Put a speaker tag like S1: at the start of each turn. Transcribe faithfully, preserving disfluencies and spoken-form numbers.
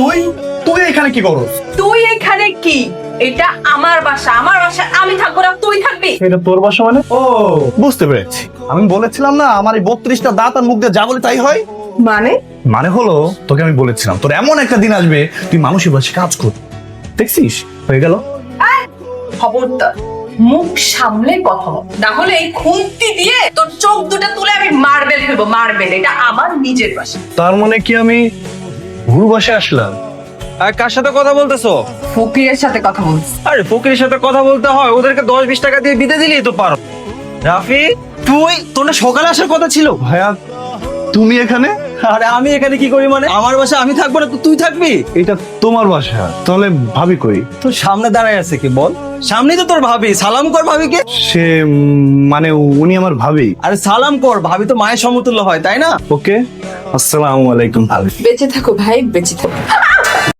S1: তুই তুই এখানে কি করস?
S2: তুই এখানে কি? এটা আমার বাসা, আমার বাসা আমি থাকবো না তুই থাকবি?
S1: এটা তোর বাসা মানে? ও বুঝতে পেরেছি। আমি বলেছিলাম না আমার এই বত্রিশটা দাঁত আর মুখ দিয়ে যা বলে তাই হয়।
S2: মানে
S1: মানে হলো তোকে আমি বলেছিলাম তোর এমন একটা দিন আসবে তুই মানুষের বাসে কাজ কর, দেখছিস হয়ে গেল।
S2: খবরদার মুখ সামলে কথা বল, না হলে এই খুন্তি দিয়ে তোর চোখ দুটো তুলে আমি মার্বেল ফেলবো, মার্বেল। এটা আমার নিজের বাসা।
S1: তার মানে কি আমি ভুল বাসে আসলাম?
S3: আর কার সাথে কথা বলতেছো?
S2: ফকিরের সাথে কথা বলছি।
S3: আরে ফকিরের সাথে কথা বলতে হয়, ওদেরকে দশ বিশ টাকা দিয়ে বিদে দিলেই তো পারো। রাফি তুই, তোর না সকালে আসার কথা ছিল?
S1: ভাইয়া তুমি এখানে?
S3: আরে আমি এখানে কি করি মানে? আমার বাসা আমি থাকবো না তো তুই থাকবি?
S1: এটা তোমার বাসা, তাহলে ভাবি কই?
S3: তোর সামনে দাঁড়ায় আছে কি বল? সামনেই তো তোর ভাবি, সালাম কর ভাবিকে।
S1: সে উম, মানে উনি আমার ভাবি।
S3: আরে সালাম কর, ভাবি তো মায়ের সমতুল্য হয় তাই না?
S1: ওকে, আসসালামু আলাইকুম ভাবি।
S2: বেঁচে থাকো ভাই, বেঁচে থাকো।